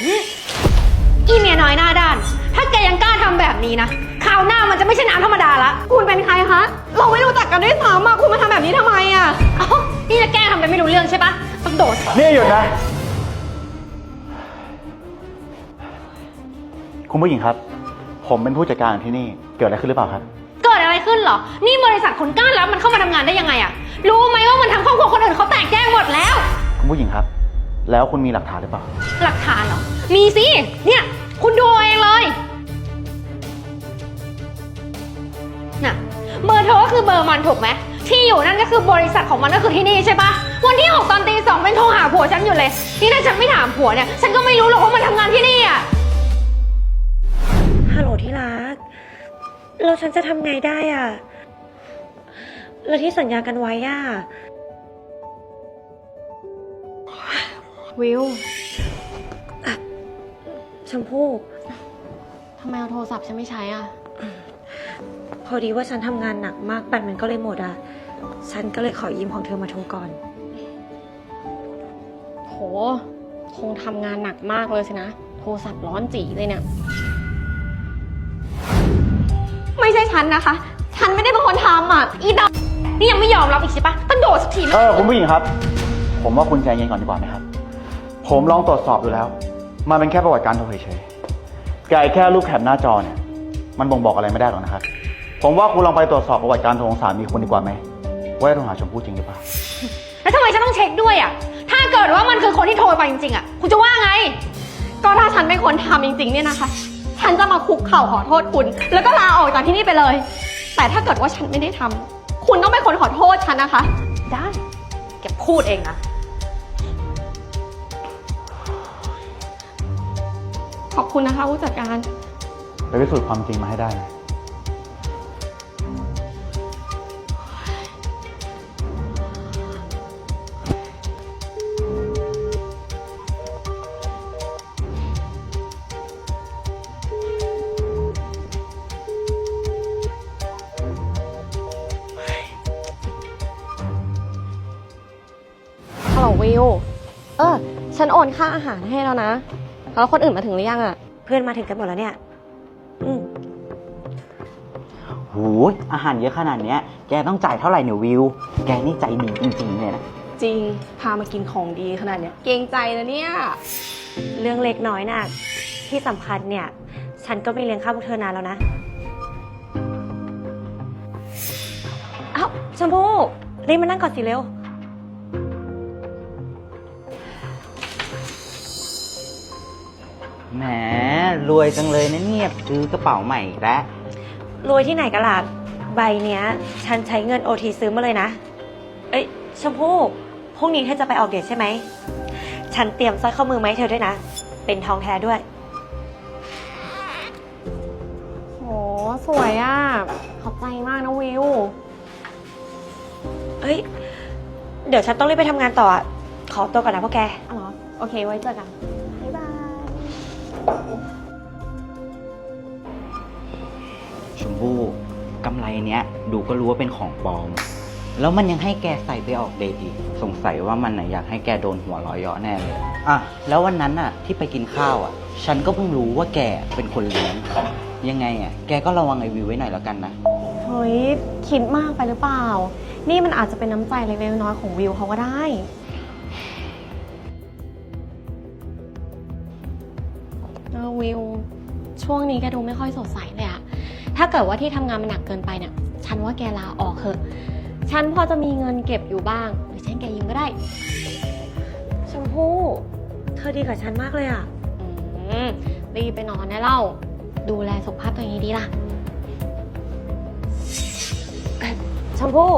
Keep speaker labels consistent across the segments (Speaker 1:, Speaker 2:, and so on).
Speaker 1: อีเมียน้อยหน้าด้านถ้าแกยังกล้าทำแบบนี้นะคราวหน้ามันจะไม่ใช่น้ำธรรมดาละคุณเป็นใครคะเราไม่รู้จักกันด้วยซ้ำคุณมาทำแบบนี้ทำไมนี่จะแกล้งทำเป็นไม่รู้เรื่องใช่ปะต้องโดด
Speaker 2: นี่หยุดนะคุณผู้หญิงครับผมเป็นผู้จัดการที่นี่เกิดอะไรขึ้นหรือเปล่าครับ
Speaker 1: เกิดอะไรขึ้นเหรอนี่บริษัทคุณกล้ารับมันเข้ามาทำงานได้ยังไงรู้ไหมว่ามันทำครอบครัวคนอื่นเขาแตกแยกหมดแล้ว
Speaker 2: คุณผู้หญิงครับแล้วคุณมีหลักฐานหรือเปล่า
Speaker 1: หลักฐานเหรอมีสิเนี่ยคุณดูเองเลยน่ะเบอร์โทรก็คือเบอร์มันถูกไหมที่อยู่นั่นก็คือบริษัทของมันก็คือที่นี่ใช่ปะวันที่6 ตอนตี 2เป็นโทรหาผัวฉันอยู่เลยนี่ถ้าฉันไม่ถามผัวเนี่ยฉันก็ไม่รู้หรอกว่ามันทำงานที่นี่
Speaker 3: ฮัลโหลที่รักแล้วฉันจะทำไงได้แล้วที่สัญญากันไว้
Speaker 1: วิว
Speaker 3: ชมพู่
Speaker 1: ทำไมเอาโทรศัพท์ฉันไม่ใช้
Speaker 3: พอดีว่าฉันทำงานหนักมากแบตมันก็เลยหมดฉันก็เลยขอยืมของเธอมาโทรก่อน
Speaker 1: โหคงทำงานหนักมากเลยสินะโทรศัพท์ร้อนจีเลยเนี่ยไม่ใช่ฉันนะคะฉันไม่ได้เป็นคนทำอีดอกนี่ยังไม่ยอมรับอีกใช่ปะต้องโดดสักที
Speaker 2: คุณผู้หญิงครับผมว่าคุณใจเย็นก่อนดีกว่าไหมครับผมลองตรวจสอบดูแล้วมันเป็นแค่ประวัติการโทรเฉยๆแค่รูปแคปหน้าจอเนี่ยมันบ่งบอกอะไรไม่ได้หรอกนะครับผมว่าคุณลองไปตรวจสอบประวัติการโทรของสามีคุณดีกว่าไหมว่าได้โทรหาชมพู่จริงหรือเปล่า
Speaker 1: แล้วทำไมฉันต้องเช็คด้วยถ้าเกิดว่ามันคือคนที่โทรไปจริงๆคุณจะว่าไงก็ถ้าฉันเป็นคนทำจริงๆเนี่ยนะคะฉันจะมาคุกเข่าขอโทษคุณแล้วก็ลาออกจากที่นี่ไปเลยแต่ถ้าเกิดว่าฉันไม่ได้ทำคุณต้องเป็นคนขอโทษฉันนะคะได้แกพูดเองนะขอบคุณนะคะผู้จัดการ
Speaker 2: ไปพิสูจน์ความจริงมาให้ได้นะ
Speaker 1: ฮัลโหลวิวฉันโอนค่าอาหารให้แล้วนะแล้วคนอื่นมาถึงหรือยัง
Speaker 3: เพื่อนมาถึงกันหมดแล้วเนี่ย
Speaker 4: โหอาหารเยอะขนาดเนี้ยแกต้องจ่ายเท่าไหร่เนี่ยวิวแกนี่ใจดีจริงๆเลยนะ
Speaker 1: จริงพามากินของดีขนาดเนี้ยเกรงใจนะเนี่ย
Speaker 3: เรื่องเล็กน้อยน่ะที่สำคัญเนี่ยฉันก็ไม่เลี้ยงข้าวพวกเธอนานแล้วนะชมพู่รีบมานั่งก่อนสิเร็ว
Speaker 4: แหมรวยจังเลยนะเนี่ยซื้อกระเป๋าใหม่อีกแล้ว
Speaker 3: รวยที่ไหนกันล่ะใบเนี้ยฉันใช้เงิน OT ซื้อมาเลยนะชมพู่พรุ่งนี้เธอจะไปออกเดทใช่ไหมฉันเตรียมสร้อยข้อมือมาให้เธอด้วยนะเป็นทองแท้ด้วย
Speaker 1: โหสวยขอบใจมากนะวิว
Speaker 3: เดี๋ยวฉันต้องรีบไปทำงานต่อขอตัวก่อนนะพวกแก
Speaker 1: อ๋อโอเคไว้เจอกันบ๊ายบาย
Speaker 4: ชมพู่กำไรเนี้ยดูก็รู้ว่าเป็นของปลอมแล้วมันยังให้แกใส่ไปออกเดทอีกสงสัยว่ามันอยากให้แกโดนหัวร้อยเยาะแน่เลยแล้ววันนั้นที่ไปกินข้าวฉันก็เพิ่งรู้ว่าแกเป็นคนเลี้ยงยังไงแกก็ระวังไอวิวไว้หน่อยแล้วกันนะ
Speaker 1: เฮ้ยคิดมากไปหรือเปล่านี่มันอาจจะเป็นน้ำใจเล็กๆน้อยๆของวิวเขาก็ได้วิวช่วงนี้แกดูไม่ค่อยสดใสเลยถ้าเกิดว่าที่ทำงานมันหนักเกินไปเนี่ยฉันว่าแกลาออกเถอะฉันพอจะมีเงินเก็บอยู่บ้างหรือฉันแกยืมก็ได้
Speaker 3: ชมพู่เธอดีกับฉันมากเลย
Speaker 1: รีบไปนอนได้เล่าดูแลสุขภาพตัวเองดีล่ะ
Speaker 3: ชมพู่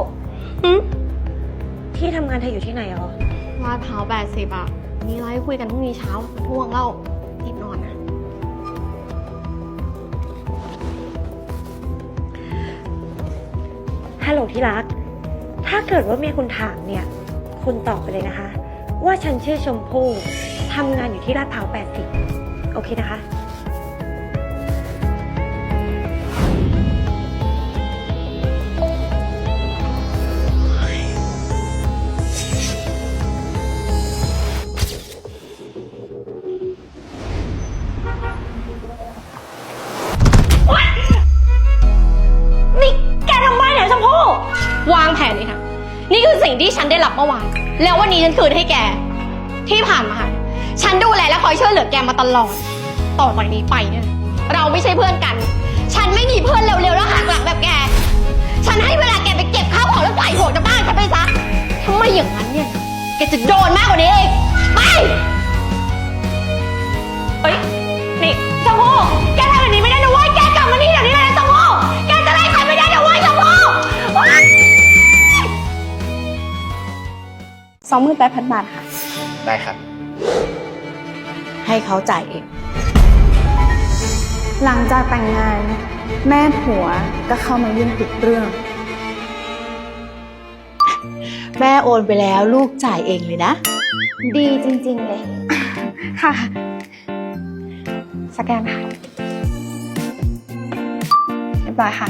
Speaker 3: ที่ทำงานเธออยู่ที่ไหน
Speaker 1: ลาดพร้าว80มีอะไรคุยกันพรุ่งนี้เช้าท่วงเล่ารีบนอนนะ
Speaker 3: ฮัลโหลที่รักถ้าเกิดว่าเมียคุณถามเนี่ยคุณตอบไปเลยนะคะว่าฉันชื่อชมพู่ทำงานอยู่ที่ลาดพร้าว80โอเคนะคะ
Speaker 1: สิ่งที่ฉันได้รับเมื่อวานแล้ววันนี้ฉันคืนให้แกที่ผ่านมาฉันดูแลและคอยช่วยเหลือแกมาตลอดต่อจากนี้ไปเนี่ยเราไม่ใช่เพื่อนกันฉันไม่มีเพื่อนเร็วๆแล้วหักหลังแบบแกฉันให้เวลาแกไปเก็บข้าวของแล้วใส่หัวจากบ้านฉันไปซะถ้าไม่อย่างนั้นเนี่ยแกจะโดนมากกว่านี้เองไปเฮ้ยนี่ชมพู่แกทำแบบนี้ไม่ได้นะเว้ยแกกลับมานี่เดี๋ยวนี้เลยนะชมพู่แกจะไล่ใครไม่ได้นะเว้ยชมพู่
Speaker 5: 28,000 บาทค่ะ
Speaker 2: ได้ครับ
Speaker 3: ให้เขาจ่ายเอง
Speaker 5: หลังจากแต่งงานแม่ผัวก็เข้ามายุ่งทุกเรื่อง
Speaker 6: แม่โอนไปแล้วลูกจ่ายเองเลยนะ
Speaker 5: ดีจริงๆเลย ค่ะ สแกนค่ะเรียบร้อยค่ะ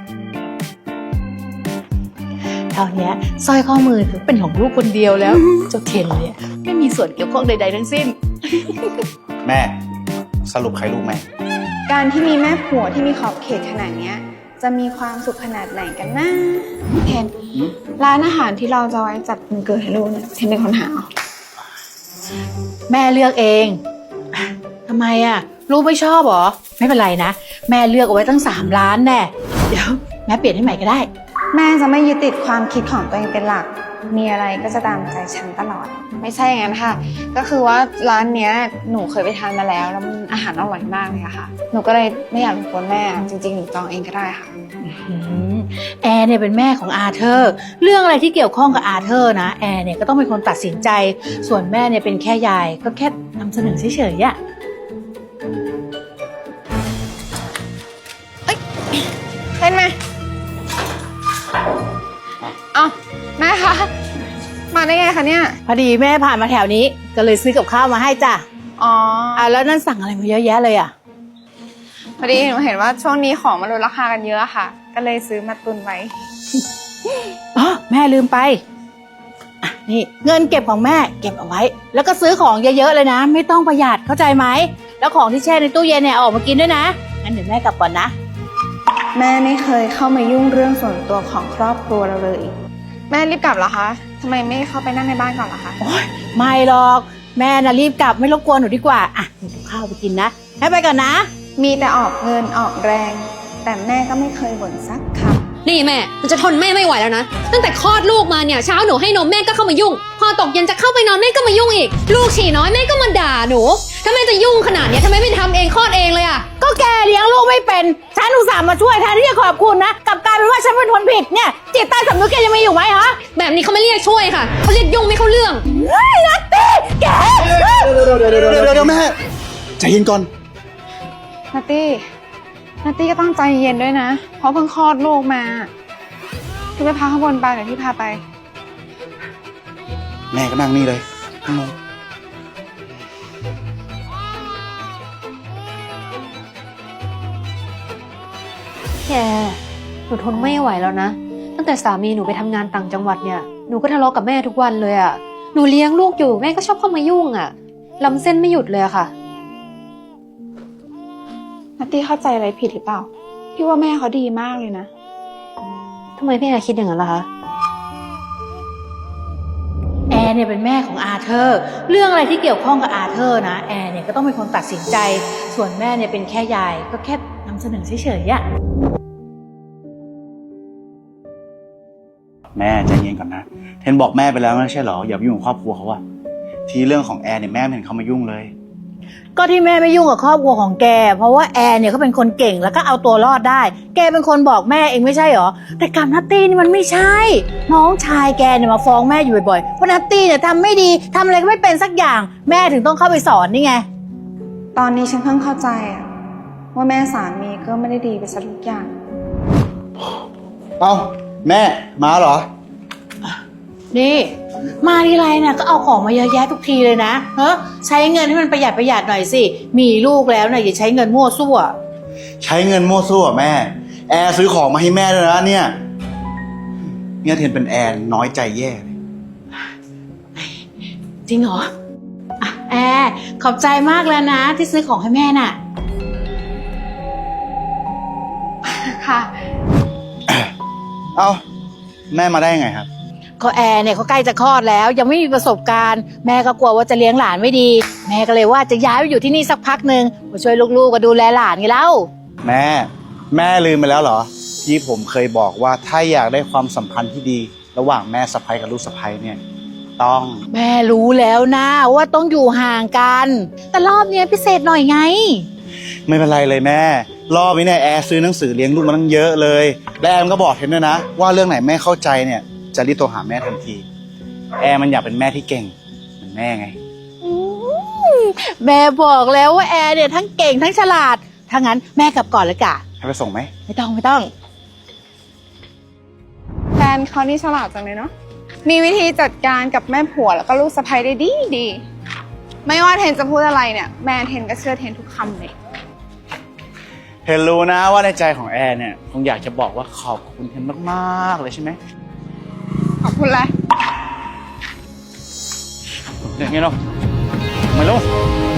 Speaker 6: เท่านี้สร้อยข้อมือถือเป็นของลูกคนเดียวแล้วเจ้าเทนเนี่ยไม่มีส่วนเกี่ยวข้องใดๆทั้งสิ้น
Speaker 2: แม่สรุปใครลูกแม่
Speaker 5: การที่มีแม่ผัวที่มีขอบเขตขนาดเนี้ย จะมีความสุขขนาดไหนกันนะเทนร้านอาหารที่เราจะไว้จัดวันเกิดให้ลูกเนี่ยเทนเป็นคนหาเอา
Speaker 6: แม่เลือกเองทำไมอ่ะลูกไม่ชอบเหรอไม่เป็นไรนะแม่เลือกเอาไว้ตั้ง3 ล้านแน่เดี๋ยวแม่เปลี่ยนให้ใหม่ก็ได้
Speaker 5: แม่จะไม่ยึดติดความคิดของตัวเองเป็นหลัก มีอะไรก็จะตามใจฉันตลอด ไม่ใช่อย่างนั้นค่ะ ก็คือว่าร้านเนี้ยหนูเคยไปทานมาแล้วมันอาหารอร่อยมากเลยอะค่ะ หนูก็เลยไม่อยากรบกวนแม่ จริงๆหนูจองเองก็ได้ค่ะ
Speaker 6: แอร์เนี่ยเป็นแม่ของอาเธอร์เรื่องอะไรที่เกี่ยวข้องกับอาเธอร์นะแอร์เนี่ยก็ต้องเป็นคนตัดสินใจ ส่วนแม่เนี่ยเป็นแค่ยายก็แค่นำเสนอเฉยๆอะ
Speaker 5: เห็นไหมเอ้าแม่คะ มาได้ไงคะเนี่ย
Speaker 6: พอดีแม่ผ่านมาแถวนี้ก็เลยซื้อกับข้าวมาให้จ้ะ
Speaker 5: อ๋อ
Speaker 6: แล้วนั่นสั่งอะไรมาเยอะแยะเลยอ่ะ
Speaker 5: พอดีหนูเห็นว่าช่วงนี้ของมันลดราคากันเยอะค่ะ ก็เลยซื้อมาตุนไว้
Speaker 6: อ๋อแม่ลืมไปอ่ะนี่เงินเก็บของแม่เก็บเอาไว้ แล้วก็ซื้อของเยอะๆเลยนะ ไม่ต้องประหยัดเข้าใจไหมแล้วของที่แช่ในตู้เย็นเนี่ยเอาออกมากินด้วยนะงั้นเดี๋ยวแม่กลับก่อนนะ
Speaker 5: แม่ไม่เคยเข้ามายุ่งเรื่องส่วนตัวของครอบครัวเราเลย แม่รีบกลับเหรอคะทำไมไม่เข้าไปนั่งในบ้านก่อนล่ะคะ
Speaker 6: ไม่หรอกแม่น่ะรีบกลับไม่รบกวนหนูดีกว่าอ่ะหนูกับข้าวไปกินนะให้ไปก่อนนะ
Speaker 5: มีแต่ออกเงินออกแรง แต่แม่ก็ไม่เคยบ่นสักค
Speaker 1: นี่แม่มันจะทนแม่ไม่ไหวแล้วนะตั้งแต่คลอดลูกมาเนี่ยเช้าหนูให้นมแม่ก็เข้ามายุ่ง พอตกเย็นจะเข้าไปนอนแม่ก็มายุ่งอีกลูกฉี่น้อยแม่ก็มาด่าหนูถ้าแม่จะยุ่งขนาดเนี้ยทำไมไม่ทำเองคลอดเองเลยอะ
Speaker 6: ก็แกเลี้ยงลูกไม่เป็นฉันอุตส่าห์มาช่วยแทนที่จะขอบคุณนะกลับกลายเป็นว่าฉันเป็นคนผิดเนี่ยจิตใต้สำนึกแกยังมีอยู่ไหมฮะ
Speaker 1: แบบนี้เขาไม่เรียกช่วยค่ะเขาเรียกยุ่งไม่เข้าเรื่อง
Speaker 6: เฮ้ยนัตตี้แก
Speaker 2: เดี๋ยวแม่ใจเย็นก่อน
Speaker 5: ำนัตตี้ก็ต้องใจเย็นด้วยนะ เพราะเพิ่งคลอดลูกมาคือไปพักข้างบนไปเดี๋ยวพี่พาไป
Speaker 2: แม่ก็นั่งนี่เลยนั่งลง
Speaker 1: แกหนูทนไม่ไหวแล้วนะตั้งแต่สามีหนูไปทำงานต่างจังหวัดเนี่ยหนูก็ทะเลาะกับแม่ทุกวันเลยอะหนูเลี้ยงลูกอยู่แม่ก็ชอบเข้ามายุ่งอะลำเส้นไม่หยุดเลยอะค่ะ
Speaker 5: นัตตี้เข้าใจอะไรผิดหรือเปล่า พี่ว่าแม่เขาดีมากเลยนะ
Speaker 1: ทำไมพี่แอร์คิดอย่างนั้นล่ะคะ
Speaker 6: แอร์เนี่ยเป็นแม่ของอาเธอร์เรื่องอะไรที่เกี่ยวข้องกับอาเธอร์นะแอร์เนี่ยก็ต้องเป็นคนตัดสินใจ ส่วนแม่เนี่ยเป็นแค่ยายก็แค่นำเสนอเฉยๆอะ
Speaker 2: แม่ใจเย็นก่อนนะเทนบอกแม่ไปแล้วไม่ใช่เหรออย่าไปยุ่งกับครอบครัวเขาอะทีเรื่องของแอร์เนี่ยแม่ไม่เห็นเขามายุ่งเลย
Speaker 6: ก็ที่แม่ไม่ยุ่งกับครอบครัวของแกเพราะว่าแอร์เนี่ยเขาเป็นคนเก่งแล้วก็เอาตัวรอดได้ แกเป็นคนบอกแม่เองไม่ใช่เหรอแต่กับนัตตี้นี่มันไม่ใช่ น้องชายแกเนี่ยมาฟ้องแม่อยู่บ่อยๆว่านัตตี้เนี่ยทำไม่ดีทำอะไรก็ไม่เป็นสักอย่างแม่ถึงต้องเข้าไปสอนนี่ไง
Speaker 5: ตอนนี้ฉันเพิ่งเข้าใจอะว่าแม่สามีก็ไม่ได้ดีไปซะทุกอย่าง
Speaker 2: เอ้าแม่มาเหรอ
Speaker 6: นี่มาทีไรเนี่ยก็เอาของมาเยอะแยะทุกทีเลยนะใช้เงินให้มันประหยัดหน่อยสิมีลูกแล้วเนี่ยอย่าใช้เงินมั่วซั่ว
Speaker 2: ใช้เงินมั่วซั่วแม่แอร์ซื้อของมาให้แม่ด้วยนะเนี่ยเทนเป็นแอร์น้อยใจแย่เลย
Speaker 6: จริงเหรออ่ะแอร์ขอบใจมากแล้วนะที่ซื้อของให้แม่น่ะ
Speaker 5: ค่ะ
Speaker 2: เอ้าแม่มาได้ยังไงครับ
Speaker 6: ก็แอร์เนี่ยเขาใกล้จะคลอดแล้ว ยังไม่มีประสบการณ์ แม่ก็กลัวว่าจะเลี้ยงหลานไม่ดี แม่ก็เลยว่าจะย้ายไปอยู่ที่นี่สักพักหนึ่งมาช่วยลูกๆก็ดูแลหลานไงเล่า
Speaker 2: แม่ลืมไปแล้วเหรอที่ผมเคยบอกว่าถ้าอยากได้ความสัมพันธ์ที่ดี ระหว่างแม่สะใภ้กับลูกสะใภ้เนี่ยต้อง
Speaker 6: แม่รู้แล้วนะว่าต้องอยู่ห่างกัน แต่รอบเนี้ยพิเศษหน่อยไง
Speaker 2: ไม่เป็นไรเลยแม่ รอบนี้เนี่ยแอร์ซื้อหนังสือเลี้ยงลูกมาตั้งเยอะเลยและแอมก็บอกเห็นด้วยนะว่าเรื่องไหนแม่เข้าใจเนี่ยจะรีบโทรหาแม่ทันที แอร์มันอยากเป็นแม่ที่เก่งเหมือนแม่ไง
Speaker 6: แม่บอกแล้วว่าแอร์เนี่ยทั้งเก่งทั้งฉลาด ถ้างั้นแม่กลับก่อนเลยกะ
Speaker 2: ให้ไปส่งไหม
Speaker 6: ไม่ต้อง
Speaker 5: แฟนเขานี่ฉลาดจังเลยเนาะ มีวิธีจัดการกับแม่ผัวแล้วก็ลูกสะใภ้ได้ดี ไม่ว่าเทนจะพูดอะไรเนี่ย แม่เทนก็เชื่อเทนทุกคำเลย
Speaker 2: เห็นรู้นะว่าในใจของแอร์เนี่ยคงอยากจะบอกว่าขอบคุณเห็นมากๆเลยใช่ไหม
Speaker 5: ขอบคุณแหละ
Speaker 2: อย่างเงี้ยเนาะมาลูก